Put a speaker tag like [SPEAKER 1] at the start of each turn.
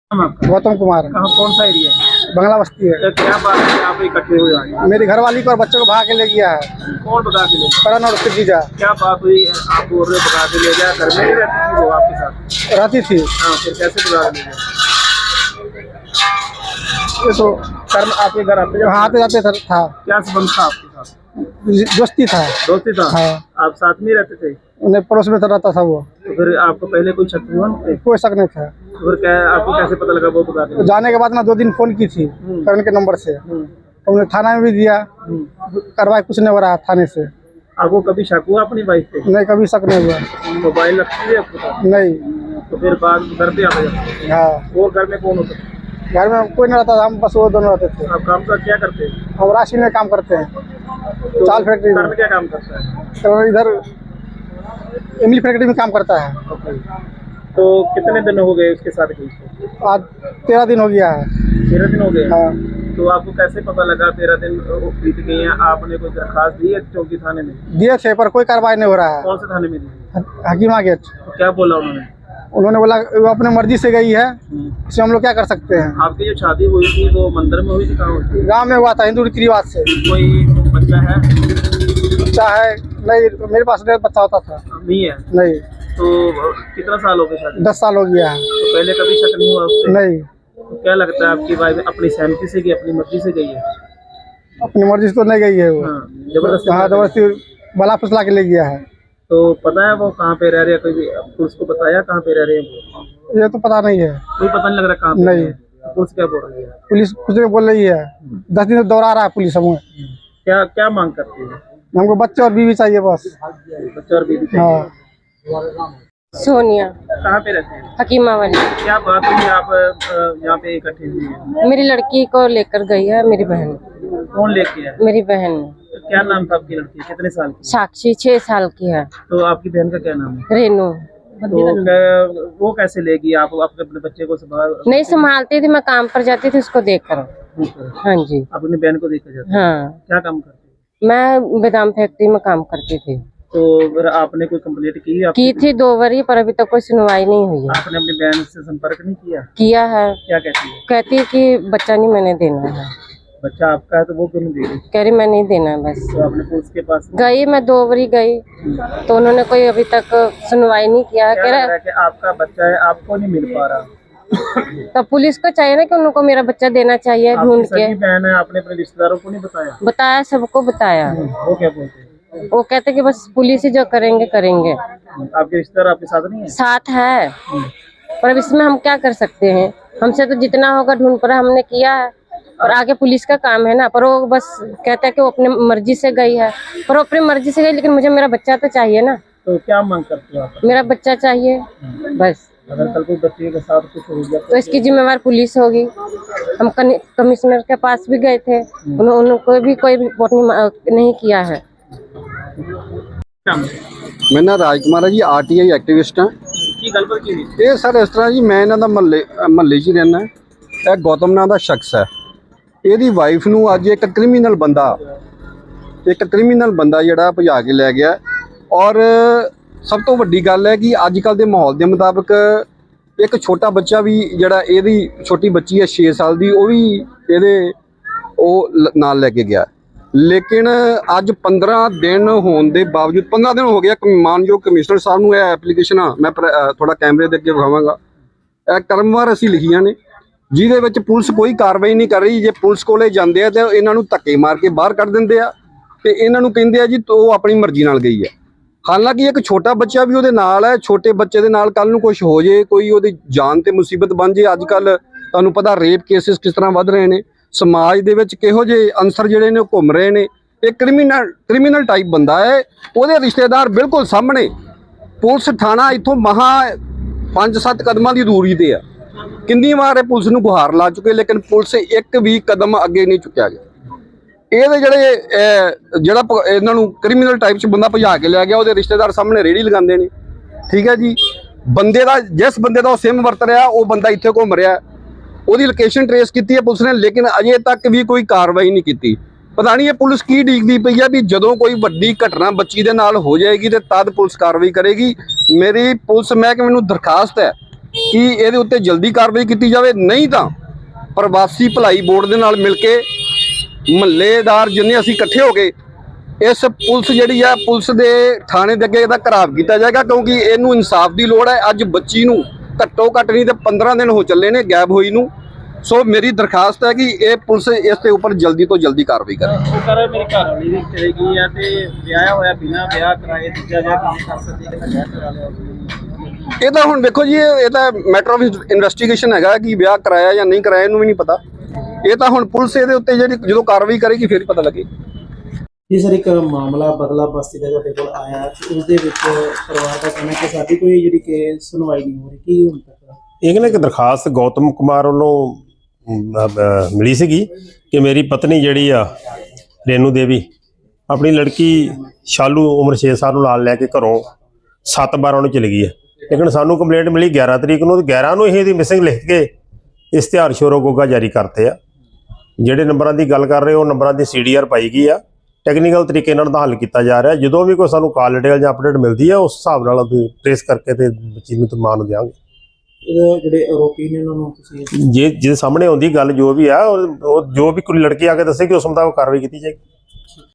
[SPEAKER 1] नाम आपका?
[SPEAKER 2] गौतम कुमार।
[SPEAKER 1] कहाँ, कौन सा एरिया है?
[SPEAKER 2] बंगला बस्ती है।
[SPEAKER 1] तो क्या बात है आप इकट्ठे हुए आज?
[SPEAKER 2] मेरी घरवाली को और बच्चों को भगा के ले गया है
[SPEAKER 1] कौन भगा के ले गया?
[SPEAKER 2] करण और उसके जीजा।
[SPEAKER 1] क्या बात हुई है? आप बोल रहे हो भगा के ले गया, घर में ही रहती थी वो आपके साथ?
[SPEAKER 2] रहती थी।
[SPEAKER 1] हाँ, फिर कैसे भगा के ले गया?
[SPEAKER 2] ये तो
[SPEAKER 1] कर्म आपके घर
[SPEAKER 2] आते जाते था।
[SPEAKER 1] क्या संबंध था आपके साथ?
[SPEAKER 2] दोस्ती था।
[SPEAKER 1] दोस्ती था?
[SPEAKER 2] हाँ।
[SPEAKER 1] आप साथ में रहते थे?
[SPEAKER 2] उन्हें पड़ोस में तो रहता था वो।
[SPEAKER 1] तो फिर आपको पहले कोई शक हुआ उन पे?
[SPEAKER 2] कोई शक नहीं था।
[SPEAKER 1] तो फिर क्या आपको कैसे पता लगा वो भगा के
[SPEAKER 2] तो जाने के बाद ना 2 दिन फोन की थी करण के नंबर से। तो उन्हें थाना में भी दिया, कार्रवाई कुछ नहीं हो रहा थाने से।
[SPEAKER 1] आपको कभी शक हुआ अपनी वाइफ पे?
[SPEAKER 2] नहीं, कभी शक नहीं हुआ।
[SPEAKER 1] मोबाइल रखती है आपके पास?
[SPEAKER 2] नहीं।
[SPEAKER 1] तो फिर बाद घर पे आ गया?
[SPEAKER 2] हाँ।
[SPEAKER 1] और घर में कौन होता था?
[SPEAKER 2] घर में कोई नहीं रहता था, हम बस वो दोनों रहते थे।
[SPEAKER 1] आप काम का क्या करते हैं?
[SPEAKER 2] हम राशि में काम करते हैं,
[SPEAKER 1] तो
[SPEAKER 2] चाल फैक्ट्री में।
[SPEAKER 1] घर में क्या काम करता है?
[SPEAKER 2] तो इधर इमली फैक्ट्री में काम करता है।
[SPEAKER 1] तो कितने दिन हो गए उसके साथ गई?
[SPEAKER 2] आज 13 दिन हो गया है।
[SPEAKER 1] 13 दिन हो गए?
[SPEAKER 2] हाँ।
[SPEAKER 1] तो आपको कैसे पता लगा 13 दिन बीत गए हैं? आपने कोई दरखास्त दी है चौकी थाने में?
[SPEAKER 2] दिए थे पर कोई कार्रवाई नहीं हो रहा है।
[SPEAKER 1] कौन से थाने में दी?
[SPEAKER 2] हकीमा गेट।
[SPEAKER 1] तो क्या बोला उन्होंने?
[SPEAKER 2] उन्होंने बोला वो अपने मर्जी से गई है, इसमें हम लोग क्या कर सकते हैं।
[SPEAKER 1] आपकी जो शादी हुई थी वो मंदिर में हुई थी? कहाँ हुई थी?
[SPEAKER 2] गाँव में हुआ था, हिंदू रीति रिवाज से।
[SPEAKER 1] कोई बच्चा है?
[SPEAKER 2] बच्चा है? नहीं, मेरे पास नहीं बच्चा होता था।
[SPEAKER 1] नहीं है?
[SPEAKER 2] नहीं।
[SPEAKER 1] तो कितना साल हो गए शादी?
[SPEAKER 2] 10 साल हो गया है।
[SPEAKER 1] तो पहले कभी शक नहीं हुआ उससे?
[SPEAKER 2] नहीं।
[SPEAKER 1] तो क्या लगता है आपकी वाइफ अपनी सहमति से गई, अपनी मर्जी से गई है?
[SPEAKER 2] अपनी मर्जी से तो नहीं गई है वो।
[SPEAKER 1] हाँ, जबरदस्ती?
[SPEAKER 2] हाँ, जबरदस्ती बला फुसला के ले गया है।
[SPEAKER 1] तो पता है वो कहाँ पे रह रहे हैं? कोई पुलिस को बताया कहाँ पे रह रहे हैं वो?
[SPEAKER 2] ये तो पता नहीं है।
[SPEAKER 1] कोई पता नहीं लग रहा कहाँ पे
[SPEAKER 2] नहीं।
[SPEAKER 1] है? पुलिस क्या बोल रही है?
[SPEAKER 2] पुलिस कुछ नहीं बोल रही है। 10 दिन से दौड़ा रहा है पुलिस हमें।
[SPEAKER 1] क्या क्या मांग करती है?
[SPEAKER 2] हमको बच्चे और बीवी चाहिए बस।
[SPEAKER 1] बच्चा और बीवी चाहिए?
[SPEAKER 2] हाँ।
[SPEAKER 3] सोनिया।
[SPEAKER 1] कहाँ पे रहते हैं?
[SPEAKER 3] हकीमा वाली।
[SPEAKER 1] क्या बात हुई आप यहाँ पे इकट्ठे हुए हैं?
[SPEAKER 3] मेरी लड़की को लेकर गई है मेरी बहन।
[SPEAKER 1] कौन लेके है?
[SPEAKER 3] मेरी बहन
[SPEAKER 1] तो क्या नाम था आपकी लड़की? कितने साल की?
[SPEAKER 3] साक्षी 6 साल की है।
[SPEAKER 1] तो आपकी बहन का क्या नाम है?
[SPEAKER 3] रेनू।
[SPEAKER 1] तो वो कैसे लेगी? आप अपने बच्चे को संभाल
[SPEAKER 3] नहीं संभालती थी, मैं काम पर जाती थी उसको देखकर। हाँ जी।
[SPEAKER 1] अपनी बहन को देखकर जाते?
[SPEAKER 3] हाँ।
[SPEAKER 1] क्या काम करती?
[SPEAKER 3] मैं बादाम फैक्ट्री में काम करती थी।
[SPEAKER 1] तो फिर आपने कोई कंप्लेंट
[SPEAKER 3] की थी 2 बारी, पर अभी तक कोई सुनवाई नहीं हुई है।
[SPEAKER 1] आपने अपनी बहन से संपर्क नहीं किया?
[SPEAKER 3] किया है।
[SPEAKER 1] क्या कहती है?
[SPEAKER 3] कहती है कि बच्चा नहीं मैंने देना है।
[SPEAKER 1] बच्चा आपका है तो वो क्यों नहीं दे रही?
[SPEAKER 3] कह रही मैं नहीं देना है बस।
[SPEAKER 1] तो आपने पुलिस के पास
[SPEAKER 3] गई, मैं 2 बारी गई तो उन्होंने कोई अभी तक सुनवाई नहीं किया।
[SPEAKER 1] क्या
[SPEAKER 3] कह
[SPEAKER 1] लग
[SPEAKER 3] रहा
[SPEAKER 1] रहा है कि आपका बच्चा है, आपको नहीं मिल पा रहा?
[SPEAKER 3] तो पुलिस को चाहिए ना कि उनको मेरा बच्चा देना चाहिए ढूंढ के।
[SPEAKER 1] आपकी बहन है, आपने अपने रिश्तेदारों को नहीं बताया?
[SPEAKER 3] बताया, सबको बताया।
[SPEAKER 1] वो क्या बोलते हैं?
[SPEAKER 3] वो कहते कि बस पुलिस ही जो करेंगे करेंगे।
[SPEAKER 1] आपके रिश्तेदार आपके साथ नहीं है?
[SPEAKER 3] साथ है, पर अब इसमें हम क्या कर सकते हैं। हमसे तो जितना होगा ढूंढ कर हमने किया है, और आगे पुलिस का काम है ना। पर वो बस कहता है कि वो अपनी मर्जी से गई है, पर वो अपनी मर्जी से गई, लेकिन मुझे मेरा बच्चा तो चाहिए ना।
[SPEAKER 1] तो क्या मांग करते हो आप?
[SPEAKER 3] मेरा बच्चा चाहिए बस।
[SPEAKER 1] अगर कल कोई बच्चे के साथ कुछ हो गया
[SPEAKER 3] तो इसकी जिम्मेवार पुलिस होगी। हम कमिश्नर के पास भी गए थे, उनको भी कोई रिपोर्ट नहीं किया है।
[SPEAKER 4] मेरा नाम राजकुमार है जी, RTI एक्टिविस्ट हाँ।
[SPEAKER 1] की गल पर की नहीं?
[SPEAKER 4] ये सर इस तरह जी, मैं इन्हों का महल्ले च रहना। यह गौतम नाम का शख्स है। ਇਹਦੀ ਵਾਈਫ ਨੂੰ ਅੱਜ ਇੱਕ ਕ੍ਰਿਮੀਨਲ ਬੰਦਾ ਜਿਹੜਾ ਭਜਾ ਕੇ ਲੈ ਗਿਆ। ਔਰ ਸਭ ਤੋਂ ਵੱਡੀ ਗੱਲ ਹੈ ਕਿ ਅੱਜ ਕੱਲ ਦੇ ਮਾਹੌਲ ਦੇ ਮੁਤਾਬਕ ਇੱਕ ਛੋਟਾ ਬੱਚਾ ਵੀ ਜਿਹੜਾ ਇਹਦੀ ਛੋਟੀ ਬੱਚੀ ਹੈ 6 ਸਾਲ ਦੀ, ਉਹ ਵੀ ਇਹਦੇ ਨਾਲ ਲੈ ਕੇ ਗਿਆ। ਲੇਕਿਨ ਅੱਜ 15 ਦਿਨ ਹੋਣ ਦੇ ਬਾਵਜੂਦ 15 ਦਿਨ ਹੋ ਗਿਆ, ਮਾਨਯੋਗ ਕਮਿਸ਼ਨਰ ਸਾਹਿਬ ਨੂੰ ਇਹ ਐਪਲੀਕੇਸ਼ਨਾਂ ਮੈਂ ਥੋੜਾ ਕੈਮਰੇ ਦੇ ਅੱਗੇ ਵਿਖਾਵਾਂਗਾ। ਇਹ ਕਰਮਵਾਰ ਅਸੀਂ ਲਿਖੀਆਂ ਨੇ, ਜਿਹਦੇ ਵਿੱਚ ਪੁਲਿਸ ਕੋਈ ਕਾਰਵਾਈ ਨਹੀਂ ਕਰ ਰਹੀ। ਜੇ ਪੁਲਿਸ ਕੋਲੇ ਜਾਂਦੇ ਆ ਤੇ ਇਹਨਾਂ ਨੂੰ ਧੱਕੇ ਮਾਰ ਕੇ ਬਾਹਰ ਕੱਢ ਦਿੰਦੇ ਆ ਤੇ ਇਹਨਾਂ ਨੂੰ ਕਹਿੰਦੇ ਆ ਜੀ ਉਹ ਆਪਣੀ ਮਰਜ਼ੀ ਨਾਲ ਗਈ ਹੈ। ਹਾਲਾਂਕਿ ਇੱਕ ਛੋਟਾ ਬੱਚਾ ਵੀ ਉਹਦੇ ਨਾਲ ਹੈ। ਛੋਟੇ ਬੱਚੇ ਦੇ ਨਾਲ ਕੱਲ ਨੂੰ ਕੁਝ ਹੋ ਜੇ, ਕੋਈ ਉਹਦੀ ਜਾਨ ਤੇ ਮੁਸੀਬਤ ਬਣ ਜੇ। ਅੱਜ ਕੱਲ ਤੁਹਾਨੂੰ ਪਤਾ ਰੇਪ ਕੇਸਿਸ ਕਿਸ ਤਰ੍ਹਾਂ ਵੱਧ ਰਹੇ ਨੇ, ਸਮਾਜ ਦੇ ਵਿੱਚ ਕਿਹੋ ਜਿਹੇ ਅਨਸਰ ਜਿਹੜੇ ਨੇ ਉਹ ਘੁੰਮ ਰਹੇ ਨੇ। ਇਹ ਕ੍ਰਿਮੀਨਲ ਟਾਈਪ ਬੰਦਾ ਹੈ। ਉਹਦੇ ਰਿਸ਼ਤੇਦਾਰ ਬਿਲਕੁਲ ਸਾਹਮਣੇ, ਪੁਲਿਸ ਥਾਣਾ ਇੱਥੋਂ ਮਹਾ 5-7 ਕਦਮਾਂ ਦੀ ਦੂਰੀ ਤੇ ਆ। ਕਿੰਨੀ ਵਾਰ ਇਹ ਪੁਲਿਸ ਨੂੰ ਗੁਹਾਰ ਲਾ ਚੁੱਕੇ, ਲੇਕਿਨ ਪੁਲਿਸ ਇੱਕ ਵੀ ਕਦਮ ਅੱਗੇ ਨਹੀਂ ਚੁੱਕਿਆ ਗਿਆ। ਇਹਦੇ ਜਿਹੜਾ ਇਹਨਾਂ ਨੂੰ ਕ੍ਰਿਮੀਨਲ ਟਾਈਪ 'ਚ ਬੰਦਾ ਭਜਾ ਕੇ ਲੈ ਗਿਆ, ਉਹਦੇ ਰਿਸ਼ਤੇਦਾਰ ਸਾਹਮਣੇ ਰੇੜੀ ਲਗਾਉਂਦੇ ਨੇ। ਠੀਕ ਹੈ ਜੀ, ਬੰਦੇ ਦਾ ਜਿਸ ਬੰਦੇ ਦਾ ਉਹ ਸਿਮ ਵਰਤ ਰਿਹਾ ਉਹ ਬੰਦਾ ਇੱਥੇ ਘੁੰਮ ਰਿਹਾ। ਉਹਦੀ ਲੋਕੇਸ਼ਨ ਟਰੇਸ ਕੀਤੀ ਹੈ ਪੁਲਿਸ ਨੇ, ਲੇਕਿਨ ਅਜੇ ਤੱਕ ਵੀ ਕੋਈ ਕਾਰਵਾਈ ਨਹੀਂ ਕੀਤੀ। ਪਤਾ ਨਹੀਂ ਇਹ ਪੁਲਿਸ ਕੀ ਡੀਕਦੀ ਪਈ ਆ ਵੀ ਜਦੋਂ ਕੋਈ ਵੱਡੀ ਘਟਨਾ ਬੱਚੀ ਦੇ ਨਾਲ ਹੋ ਜਾਏਗੀ ਤੇ ਤਦ ਪੁਲਿਸ ਕਾਰਵਾਈ ਕਰੇਗੀ। ਮੇਰੀ ਪੁਲਿਸ ਮਹਿਕਮੇ ਨੂੰ ਦਰਖਾਸਤ ਹੈ ਕਿ ਇਹਦੇ ਉੱਤੇ ਜਲਦੀ ਕਾਰਵਾਈ ਕੀਤੀ ਜਾਵੇ, ਨਹੀਂ ਤਾਂ ਪ੍ਰਵਾਸੀ ਭਲਾਈ ਬੋਰਡ ਦੇ ਨਾਲ ਮਿਲ ਕੇ ਮਹੱਲੇਦਾਰ ਜਿੰਨੇ ਅਸੀਂ ਇਕੱਠੇ ਹੋ ਕੇ ਇਸ ਪੁਲਿਸ ਜਿਹੜੀ ਆ ਪੁਲਿਸ ਦੇ ਥਾਣੇ ਦੇ ਅੱਗੇ ਇਹਦਾ ਘਰਾਵ ਕੀਤਾ ਜਾਏਗਾ, ਕਿਉਂਕਿ ਇਹਨੂੰ ਇਨਸਾਫ ਦੀ ਲੋੜ ਹੈ। ਅੱਜ ਬੱਚੀ ਨੂੰ ਘੱਟੋ ਘੱਟ ਨਹੀਂ ਤੇ 15 ਦਿਨ ਹੋ ਚੱਲੇ ਨੇ ਗਾਇਬ ਹੋਈ ਨੂੰ। ਸੋ ਮੇਰੀ ਦਰਖਾਸਤ ਹੈ ਕਿ ਇਹ ਪੁਲਿਸ ਇਸ ਦੇ ਉੱਪਰ ਜਲਦੀ ਤੋਂ ਜਲਦੀ ਕਾਰਵਾਈ ਕਰੇ।
[SPEAKER 1] ਉਹ ਕਰ ਮੇਰੀ ਘਰ ਵਾਲੀ ਵੀ ਚਲੇ ਗਈ ਆ ਤੇ ਵਿਆਹ ਹੋਇਆ ਬਿਨਾਂ ਵਿਆਹ ਕਰਾਏ ਦੂਜਾ ਵਿਆਹ ਕਿਵੇਂ ਕਰ ਸਕਦੀ ਹੈ? ਵਿਆਹ ਕਰਾ ਲਿਆ ਉਸਨੇ।
[SPEAKER 4] ਇਹ ਤਾਂ ਹੁਣ ਦੇਖੋ ਜੀ, ਇਹ ਤਾਂ ਮੈਟਰ ਆਫ ਇਨਵੈਸਟੀਗੇਸ਼ਨ ਹੈਗਾ ਕਿ ਵਿਆਹ ਕਰਾਇਆ ਜਾਂ ਨਹੀਂ ਕਰਾਇਆ, ਇਹਨੂੰ ਵੀ ਨਹੀਂ ਪਤਾ। ਇਹ ਤਾਂ ਹੁਣ ਪੁਲਿਸ ਇਹਦੇ ਉੱਤੇ ਜਿਹੜੀ ਜਦੋਂ ਕਾਰਵਾਈ ਕਰੇਗੀ ਫਿਰ ਹੀ ਪਤਾ ਲੱਗੇ।
[SPEAKER 5] ਜੀ ਸਰ, ਇੱਕ ਮਾਮਲਾ ਬਦਲਾ ਬਸਤੀ ਦਾ ਤੁਹਾਡੇ ਕੋਲ ਆਇਆ ਤੇ ਉਸ ਦੇ ਵਿੱਚ ਪਰਿਵਾਰ ਦਾ ਕਹਿਣਾ ਕਿ ਸਾਡੀ ਕੋਈ ਜਿਹੜੀ ਕਿ ਸੁਣਵਾਈ ਨਹੀਂ ਹੋ ਰਹੀ, ਕੀ ਹੁਣ ਤੱਕ?
[SPEAKER 6] ਇੱਕ ਨਾ ਇੱਕ ਦਰਖਾਸਤ ਗੌਤਮ ਕੁਮਾਰ ਵੱਲੋਂ ਮਿਲੀ ਸੀਗੀ ਕਿ ਮੇਰੀ ਪਤਨੀ ਜਿਹੜੀ ਆ ਰੇਨੂ ਦੇਵੀ ਆਪਣੀ ਲੜਕੀ ਸ਼ਾਲੂ ਉਮਰ 6 ਸਾਲ ਨੂੰ ਨਾਲ ਲੈ ਕੇ ਘਰੋਂ 7/12 ਨੂੰ ਚਲੀ ਗਈ ਹੈ। ਲੇਕਿਨ ਸਾਨੂੰ ਕੰਪਲੇਂਟ ਮਿਲੀ 11 ਤਰੀਕ ਨੂੰ, ਤੇ 11 ਨੂੰ ਇਹ ਇਹਦੀ ਮਿਸਿੰਗ ਲਿਖ ਕੇ ਇਸ਼ਤਿਹਾਰ ਸ਼ੋਰੋ ਗੋਗਾ ਜਾਰੀ ਕਰਤੇ ਆ। ਜਿਹੜੇ ਨੰਬਰਾਂ ਦੀ ਗੱਲ ਕਰ ਰਹੇ ਉਹ ਨੰਬਰਾਂ ਦੀ CDR ਪਾਈ ਗਈ ਆ। ਟੈਕਨੀਕਲ ਤਰੀਕੇ ਨਾਲ ਦਾ ਹੱਲ ਕੀਤਾ ਜਾ ਰਿਹਾ। ਜਦੋਂ ਵੀ ਕੋਈ ਸਾਨੂੰ ਕਾਲ ਡਿਟੇਲ ਜਾਂ ਅਪਡੇਟ ਮਿਲਦੀ ਆ ਉਸ ਹਿਸਾਬ ਨਾਲ ਅਸੀਂ ਟ੍ਰੇਸ ਕਰਕੇ ਤੇ ਬੱਚੀ ਨੂੰ ਮਾਂ ਨੂੰ ਦਿਆਂਗੇ।
[SPEAKER 5] ਜਿਹੜੇ ਆਰੋਪੀ ਨੇ ਉਹਨਾਂ ਨੂੰ ਤੁਸੀਂ
[SPEAKER 6] ਜੇ ਜਿਹਦੇ ਸਾਹਮਣੇ ਆਉਂਦੀ ਗੱਲ ਜੋ ਵੀ ਆ ਉਹ ਜੋ ਵੀ ਕੋਈ ਲੜਕੀ ਆ ਕੇ ਦੱਸੇਗੀ ਉਸ ਮੁਤਾਬਕ ਕਾਰਵਾਈ ਕੀਤੀ ਜਾਏਗੀ।